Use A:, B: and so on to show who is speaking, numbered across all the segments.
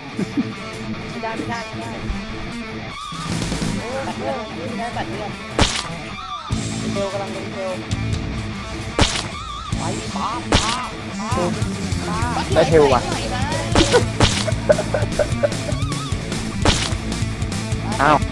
A: ไม่ได้ไม่ได้ไม่ได้ตัดเลือดไม่ได้ตัดเลือดเทลกำลังเป็นเทลไปป้า
B: ได้เทลว่ะอ้าว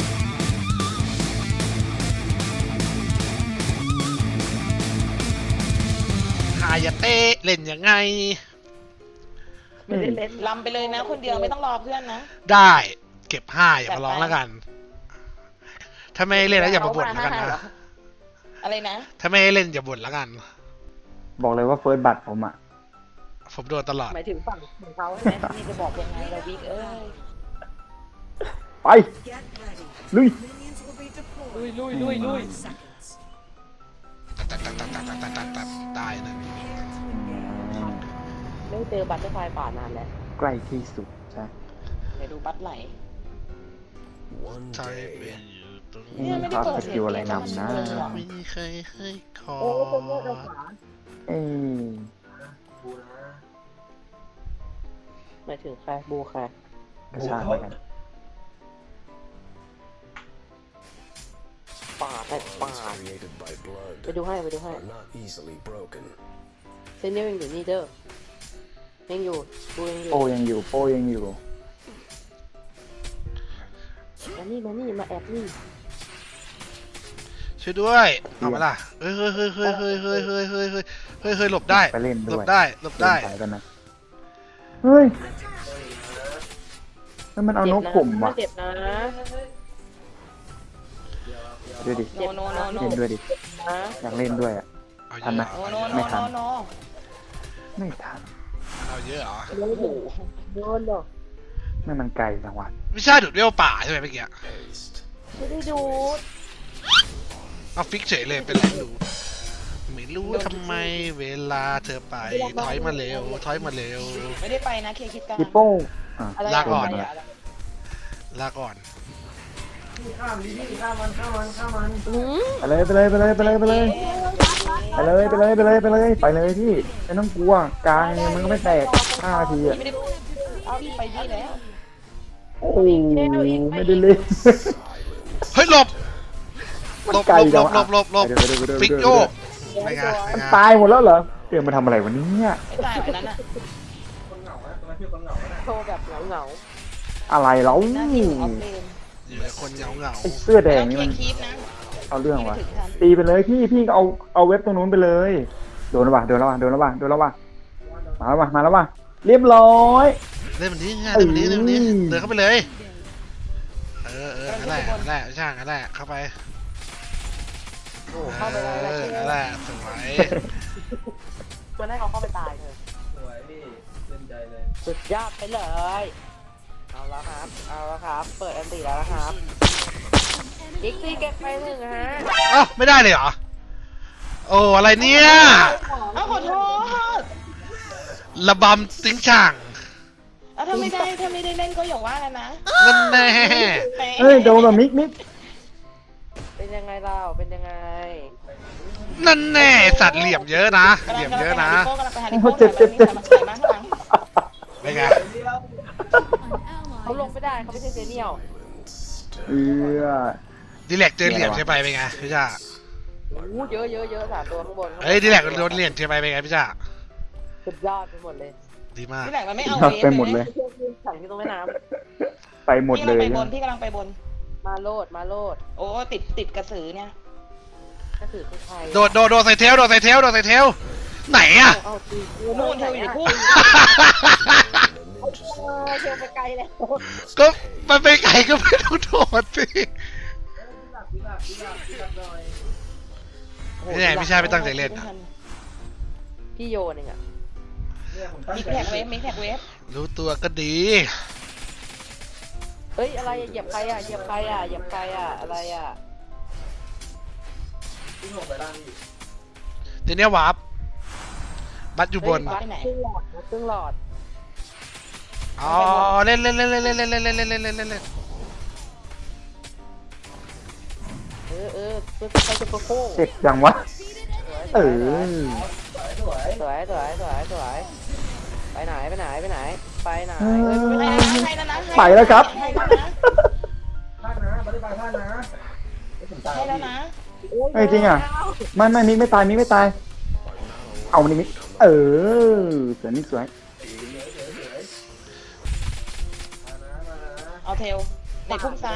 C: หายาเต้เล่นยังไง
A: ไม่ได้เล่นลำไปเลยนะคนเดียวไม่ต้องรอเพื่อนนะ
C: ได้เก็บห้าอย่ามาร้องแล้วกันถ้าไม่เล่นแล้วอย่ามาบ่นแล้วกันนะ
A: อะไรนะ
C: ถ้าไม่เล่นอย่าบ่นแล้วกัน
B: บอกเลยว่าเฟิร์สบัตรผมอ่ะ
C: ผมโดนตลอด
A: หมายถึงฝั่งของเขาใช่ไหมนี่จะบอกยังไงเราบิ๊ก
B: ไปลุย
A: ลุย
C: ตัดตายนะ
A: ไม่เจอบัตเตอร์ไฟป่านานแล้ว
B: ใกล้ที่สุดใช่
A: เดี๋ยวดูบัตไหล
C: ใช่เป็นอยู่ตรง
A: เนี่ยไม่ได้เปิด
B: สกิลอะไรนำนะ
C: ไม่มีใครให้ขอ
B: เอ้ย
A: หมายถึงใครบูใคร
B: กระชากเหมือนกัน
A: ป่าดไปดูให้เซนเนียยังอยู่นี่เด้อยังอยู่บูยังอยู่
B: โป้ยังอยู่
A: มานี่มาแอบนี่
C: ช่วยด้วยเอามาล่ะเฮ้ยหลบได้
B: ไปเล่น
C: หล
B: ด้วย
C: บได้
B: ไปกันนะเฮ้ยแล้วมันเอานกผมว่ะ
A: เจ็บนะ
B: ดูดิ
A: โน
B: เล่นด้วยดิ
A: นะ
B: อยากเล่นด้วยอ่ะ
C: เอาเย
B: ทันไหม
C: อะ
B: ไม่ทัน ไม่ทัน
C: เอาเยอะเหรอ
A: โดนหรอ
B: ไม่มันไกลจังหวัด
C: ไม่ใช่ดูดเวลป่าใช่ไหมเมื่อกี้
A: ไม่ได้ดูด
C: เอาฟิกเฉยเลยเป็นไรดูไม่รู้ทำไมเวลาเธอไปถอยมาเร็ว
A: ไม่ได้ไปนะเคคิดกัน
B: ฮิปโป้อ่ะ
C: ลาก่อน
B: โดม
C: ลาก่อน
B: ไปเลยไปเลยไปเลยไปเลยไปเลยไปเลยไปเลยไปเลยไปเลยไปเลยพี่ไม่ต้องกลัวกลางมันก็ไม่แตก5 นาทีอ่ะ
A: ไม่ได้เอาพี่ไปที่แล้ว
B: โอ้ไม่ได้เล่น
C: เฮ้ยหลบ
B: มันไกลจังวะ
C: หลบฟิกโยกไม่ไง
B: มันตายหมดแล้วเหรอเดี๋ยวมาทำอะไรวันนี้เนี่ย
A: ไม่ตายแบบนั้นอ่ะโชว์แบบเหงา
B: อะไรแล้ว
A: ๆหน้าที่ของออฟเลน
C: อยู่ในคนเหงา
B: ไอ้เสื้อแดง
A: ต้อง
B: นี่
A: เค
B: มัน
A: คีปนะ
B: เอาเรื่องว่ะตีไปเลยพี่ก็เอาเว็บตรงนู้นไปเลยโดนแล้วว่ะมาแล้วว่ะเรียบร้อย
C: เล่นมันนี้เล่นมันนี้เดินเข้าไปเลยนั่นแหละช่างนั่นแหละเข้าไป
A: โอ้เข้าไปได้แล้ว
C: นั่นแหละสวย
A: ควรให้เขาเข้าไปตายเถอะ
D: สวยพี่เล่นใจเลย
A: สุดยอดไปเลย เอาแล้วครับ เปิดอันตีแล้วนะครับกิ๊กซี่เก็บไปหนึ่งฮะ
C: อ้าวไม่ได้เลยเหรอโอ้อะไรเนี่ย
A: เอาขอโทษ
C: ระบำติ้งช่าง
A: เอาถ้าไม่ได้เล่นก็อย่าว่ากันนะ
C: นั่นแน่
B: เฮ้ยโดนแบบมิก
A: เป็นยังไงเราเป็นยังไง
C: นั่นแน่สัตว์เหลี่ยมเยอะนะเหลี่ยมเยอะนะ
A: กำลังไปหาลิโก้กำลังไปหาลิโก้
B: เจ็บ
A: ใส่มาข้างหลัง
C: ไม่ไง
A: เขาลงไม่ได้เขาไม่ใช่เซเนียล
C: ดีแลกเจอเหลี่ยมใช่ไปเป็นไงพี่จ้า
A: โอ้เยอะ3 ตัวข้างบน
C: เฮ้ยดีแลกโดนเหลี่ยมใช่ไปเป็นไงพี่จ้า
A: สุดยอดไปหมดเลย
C: ดีมาก
A: ที่ไหนมันไม่เอา
B: ไปหมดเลย
A: สั่งที่ตรงแม่น้
B: ไปหม
A: ำ
B: ดเลย
A: พี่กำลังไปบนมาโลดโอ้ติดกระสือเนี่ยกระสือคือใคร
C: โดดใส่เทลไหนอะ
A: เอาตีนู่นเธออยู่ในพุ่งเธอไปไกลแล้ว
C: ก็มันไปไกลก็ไม่ต้องโดดสินี่ไงพี่ชายไม่ตั้งใจเล่นนะ
A: พี่โยนเองอะมิกแท็กเวฟ
C: รู้ตัวก็ดี
A: เฮ้ยอะไรเหยียบใครอะอะไรอะ
D: พี่หกไปล่างพี่
C: ทีเนี้ยวาร์ปบัตอยู่บน
A: ไปไหนเครื่องหลอด
C: อ๋อเล่น
A: เพื่อใครจะโปรโค้
B: เจ็บจังวะ
D: ส
B: เออ
D: วย
A: สวยไปไหน
E: ให้แล้วนะ
B: ไปแล้วครับ
E: ให้แล้วนะ
D: พลาดนะไม่ได้ไปพลาดนะผมตาย
E: ให้แล้วนะ
B: เฮ้ยจริงอ่ะไม่มิกไม่ตายมิกไม่ตายเอามันนี่มิกสวยมิกสวย
E: เอาเทลเด็กพุ่งซ้าย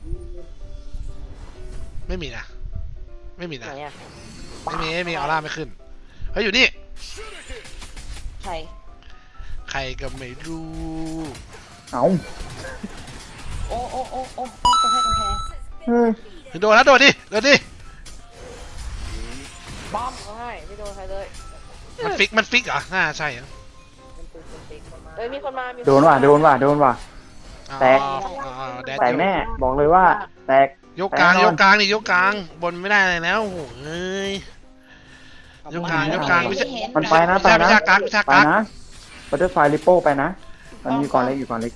C: ไม่มีนะไม่มี
A: ไหน
C: นะ
A: อ่ะ
C: ไม่มีออร่าไม่ขึ้นเฮ้ยอยู่นี่
E: ใคร
C: ใครก็ไม่รู้
B: เอา
E: โอ้จะให้กำแพง
B: เฮ้ย
C: โดนแล้วโดนดิ
A: บอมเขาให้ไม่โดนใครเลย
C: มันฟิกเหรอน่าใช่เหรอ
A: เอ้ยมีคนมามี
B: โดนว่ะ แตก
C: แดด
B: แตกแน่บอกเลยว่า แตก
C: ยกกลาง
B: แน่นอน
C: ยกกลางนี่ยกกลางบนไม่ได้เลยแล้วโอ้โหเอ้ยยกกลางไม่ใช่
B: มันไปนะ
C: วิชากักวิชา
B: ไป
C: กัก
B: นะบัตเตอร์ไฟลิปโป้ไปนะมันอยู่ก่อนเล็กอยู่ก่อนเล็ก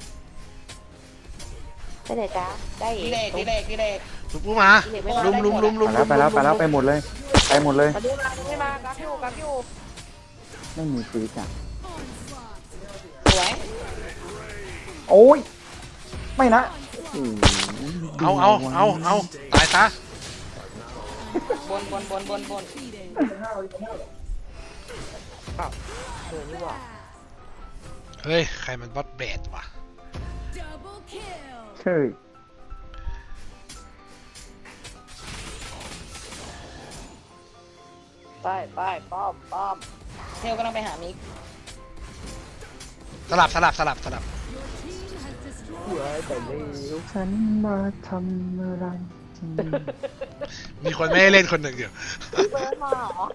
A: ไปไหนจ้าได้อี
E: ดี
A: ก
E: เด็ก
C: ถูกปุ๊บมาลุม
B: ไปแล้วไปหมดเลยไปหมดเลย
A: มาดูมาดูไม่มากักอยู่
B: ไม่มีฟีจ้ะ
E: สวย
B: โอ้ยไม่นะ
C: เอาตายซะ
E: บน
A: เออนี่หว่า
C: เฮ้ยใครมันบอสแบดวะ
B: เฮ้ย
A: ไปป้อม
E: เทลกำลังไปหามิก
C: สลับ
B: ฉันมาทำอะไรที่นี่
C: มีคนไม่ให้เล่นคนหนึ่งอยู่
A: เบอร์มาเหรอ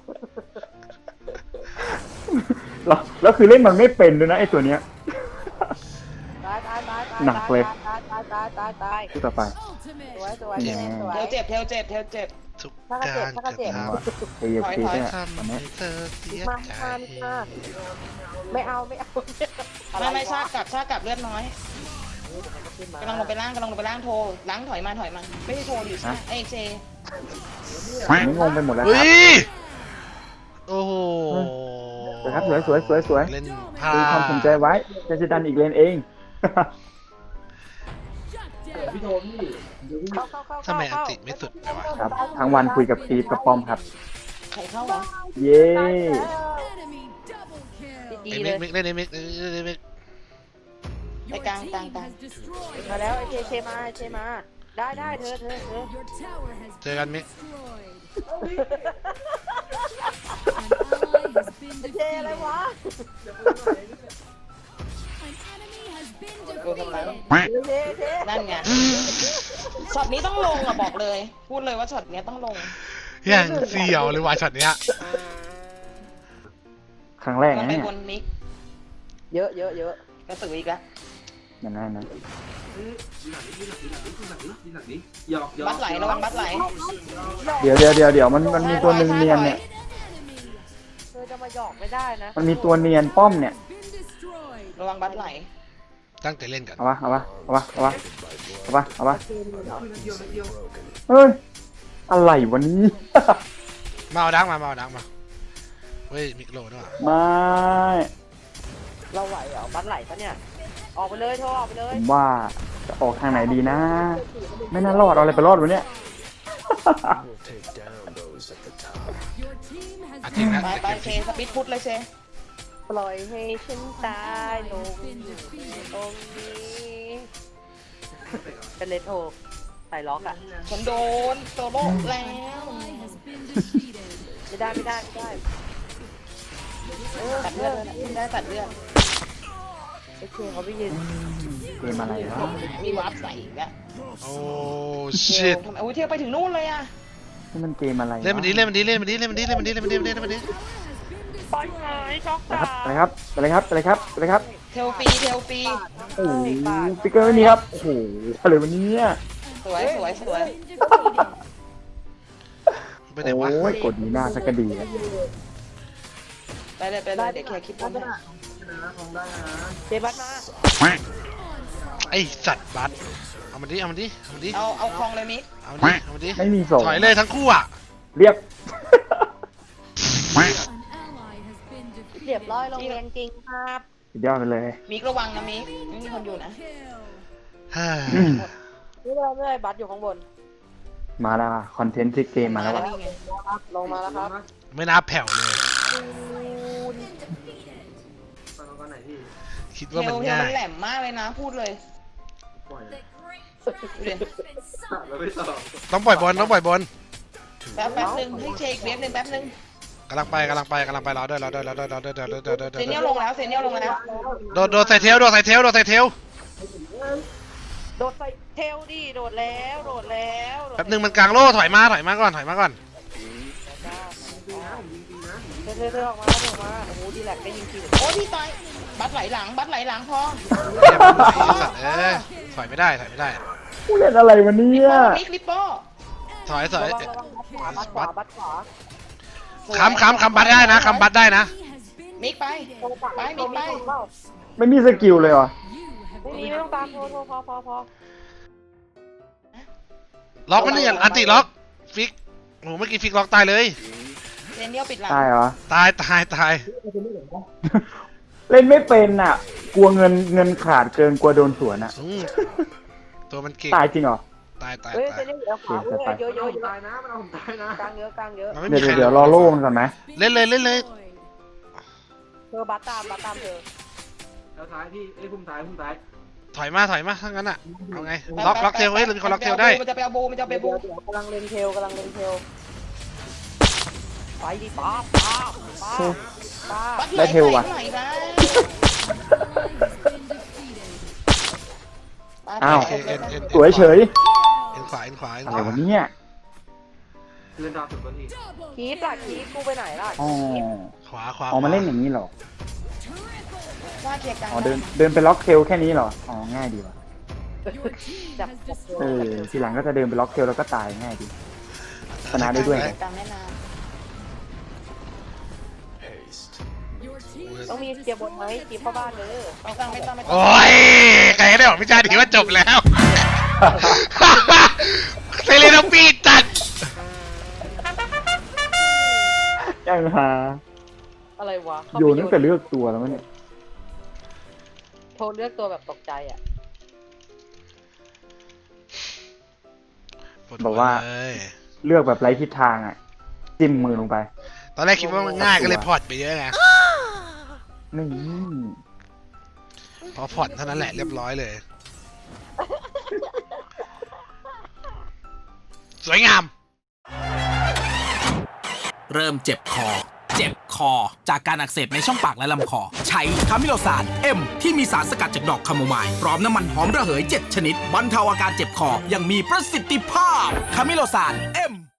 B: แล้วคือเล่นมันไม่เป็นด้วยนะไอตัวเนี้ย
A: ตาย
B: หนักเลย
A: ตาย
B: ที่ต่อไป
A: สวย
B: แหม
E: เทลเจ็บ
C: ทุก
A: ถ้า
C: การ
A: ก็เจ็บ
B: เฮ้ยฟีเนี่ย
C: ทำ
B: อัน
C: ให้
B: นี้
C: เธอเสีย
A: มา
C: ใจ
A: ไม่เอา
E: ไม่ชากลับเลือดน้อยกำลังลงไปล่างโทรล้างถอยมาไม่ใช่โทรดิเอ้เจ
B: อันนี้งงไปหมดแล้วค
C: เฮ้
B: รับ
C: ยโอ้โห
B: สวยครับสวย
C: เล่นพลา
B: ดูความสนใจไว้จะดันอีกเลนเอง
D: พี่โทนี่เดี๋ยวพี่
A: เข้า
C: ทำไมอันติไม่สุดเลยวะ
B: ครับทั้งวันคุยกับตีฟกับป้อมครับ
E: ใครเข้าวะ
B: เย้
A: ดี
C: ไอ้
A: เล
C: มิ
A: ย
C: กเล่นไอ้มิก
E: ไปกลาง
A: มาแล้วไอ้เชมาได้เธอ
C: เจอกันมิก
A: เชอะไรวะ
E: โดนทำร้าย
A: เช
E: นั่นไงช็อตนี้ต้องลงอ่ะบอกเลย พูดเลยว่าช็อตนี้ต้องลง
C: อย่างเสียวเลยวายช็อตเนี้ย
B: ครั้งแรก
E: มัน
B: นะ
E: ไป
B: เนี่ย
E: บนมิก
A: เยอะ
E: กระสืออีกแล้ว
B: อย่างนั้นนะ
D: ดีหนักดิหยอก
E: บัดไหลระวังบัดไหล
B: เดี๋ยวมันมีตัวหนึ่งเนียนเนี่ย
A: เธอจะมาหยอกไม่ได้นะ
B: มันมีตัวเนียนป้อมเนี่ย
E: ระวังบัดไหล
C: ตั้งใจเล่นกัน
B: เอาวะเฮ้ยอะไรวะนี้
C: มาเอาดังมาเฮ้ยมิกโลด้วย
B: ไม่
A: เราไหวเหรอบัตรไหลปะเนี่ยออกไปเลยออกไปเลย
B: ผมว่าจะออกทางไหนดีนะ ไม่น่ารอดเอาอะไรไปรอดวะเนี่ย
C: จริงนะ
E: ไปเชสปิดพุทเลยเช
A: ปล่อยให้ฉันตายลงอยู่ตรงนี้เป็นเลนโทใส่ล็อกอ่ะ
E: ฉันโดนโซโล่แล้ว
A: ไม่ได้ตัดเลือด
E: ได้ตัดเลือด
A: ไอ้เคเขาไปยืน
B: เกมอะไรวะ
E: มีวาร์ปใส่อีกแล้ว
C: โอ้
E: เท
C: ชิต
E: ทำไมเที่ยวไปถึงนู่นเลยอ่ะ
B: นี่มันเกมอะไรวะ
C: เล่นมันดี
A: ปล่อยหายช็อก
B: ไปครับไปเลยครับ
E: เทลฟรี
B: โอ้โหฟิกเกอร์ไม่มีครับ โอ้โหอะไรวะเนี่ย
E: สวย
C: ไปไหนวะ
B: โอ้ยกดดีหน้าสักกะดีอะ
E: ไปเลยเดี๋ยวเคลียร์คลิปบนให้
A: เจบัตมา
C: ไอสัตว์บัสเอามันดิ
E: เอาคลองเลยมิก
C: เอามันดิ
B: ไม่มีส่ง
C: ถอยเลยทั้งคู่อ่ะ
B: เรียบ
A: เรียบร้อยลงแรงจริงครับ
B: สุดยอดไปเลย
E: มิกระวังนะมิกไม่มีคนอยู่นะ
C: ฮ่า
B: อืม
A: ไม่เป็นไรบัสอยู่ข้างบน
B: มาแล้วว่ะคอนเทนต์ทริกเกมมาแล้วว่ะ
E: นี่ไง
A: ลงมาแล้วครับ
C: ไม่น่าแผ่วเลย
D: ตอนก่อนไหนพี่
C: คิด
E: เท
C: ว่ามัน
E: ล
C: ง่า
E: มัน
C: ย
E: แหลมมากเลยนะพูดเลย
D: ปล่อยเลย
E: ดูดิ
D: เราไม่ตอบ
C: ต้องปล่อยบอลต้องปล่อยบอล
E: แป๊บนึงให้เช็คเวฟหนึ่งแป๊บนึง
C: กำลังไปรอด้วย
E: เซเนียลลงแล้วเซเนียลลงแล้ว
C: โดดใส่เทลโดดใส่เทล
A: โดดใส่เทลดิโดดแล้วโดดแล้ว
C: แป๊บนึงมันกลางโล่ถอยมาก่อน
A: เธอออกมาเธอออกมาโอ้โหดีแลกได้ยิงที
E: โอ้พี่ตายบัตรไหลหลังพอ
C: เรียบร้อยสัตว์ถอยไม่ได้
B: กูเล่นอะไรวะเนี่
E: ลิป
B: ย
E: โป้มิกลิปโป้
C: ถอย
A: ระวังบัตรขวา
C: ค้ำบัตได้นะ
E: มิกไปมิกไป
B: ไม่มีสกิลเลยวะ
A: ไม่มีไม่ต้องตามโทรพอ
C: ล็อกมันนี่อันติล็อกฟิกโอ้เมื่อกี้ฟิกล็อกตายเลย
E: เซเนียลปิดหลัง
B: ตายเหรอ
C: ตาย
B: เล่นไม่เป็นอ่ะ กลัวเงินขาดเกินกลัวโดนสวนอ่ะ
C: ตัวมันเก่ง
B: ตายจริงเหรอ
C: ตาย
A: เฮ้ยเซเนียลเหลือขวาเยอะ
D: ผมตายนะมันเอาผมตายนะ
A: กลางเยอะ
C: มันไม่มี
B: เดี๋ยว
C: ใคร
B: เดี๋ยวรอโล่มันก่อนไหม
C: เล่นเลย
A: เธอบัตรตามเธอ
D: แล้วท้ายพี่ไอ้พุ่มท้าย
C: ถอยมาถ้างั้นอ่ะเอาไงล็อกเทลเฮ้ยเรามีคนล็อกเทลได้
E: มันจะไปเอาบูมันจะไปบู
A: กำลังเล่นเทลไปดิป้า
E: บัตร
B: ได้เทลว่ะ
E: ไหลนะ
B: อ้าว
C: โอเคเอ็น
B: สวยเฉย
C: เอ็นขวา
B: อะไรวะเนี่ย
D: เลื่อนดาวสุดบนที
A: คีบกูไปไหนล่ะ
B: อ๋อ
C: ขวา
B: อ๋อมาเล่นอย่างนี้เหรอ
E: ว่าเคลียร์กลาง
B: อ๋อเดินไปล็อกเทลแค่นี้เหรอ อ๋อง่ายดีว่ะ
A: จับ
B: ทีหลังก็จะเดินไปล็อกเทลแล้วก็ตายง่ายดีชนะได้ด้วยไง
E: กลางแม่น้
A: ต้องมีเกียร์บนไหมคีบเข้าบ้านเลย
E: ำไม่ต้อง
C: โอ้ยใครได้บอกพี่ชาดีว่าจบแล้วเซเลนปีจัด
B: ยังหา
A: อะไรวะ
B: โยนตั้งแต่เลือกตัวแล้วมั้งเนี่ย
A: โทรเลือกตัวแบบตกใจอ่ะ
B: บอกว่า เลือกแบบไร้ทิศทางอ่ะ จิ้มมือลงไป
C: ตอนแรกคิดว่ามันง่ายก็เลยพอร์ตไปเยอะไง
B: นี่
C: พอพอร์ตเท่านั้นแหละเรียบร้อยเลย สวยงาม
F: เริ่มเจ็บคอ จากการอักเสบในช่องปากและลำคอ ใช้คามิโลซานเอ็มที่มีสารสกัดจากดอกคาโมไมล์พร้อมน้ำมันหอมระเหย 7 ชนิดบรรเทาอาการเจ็บคออย่างมีประสิทธิภาพคามิโลซานเอ็ม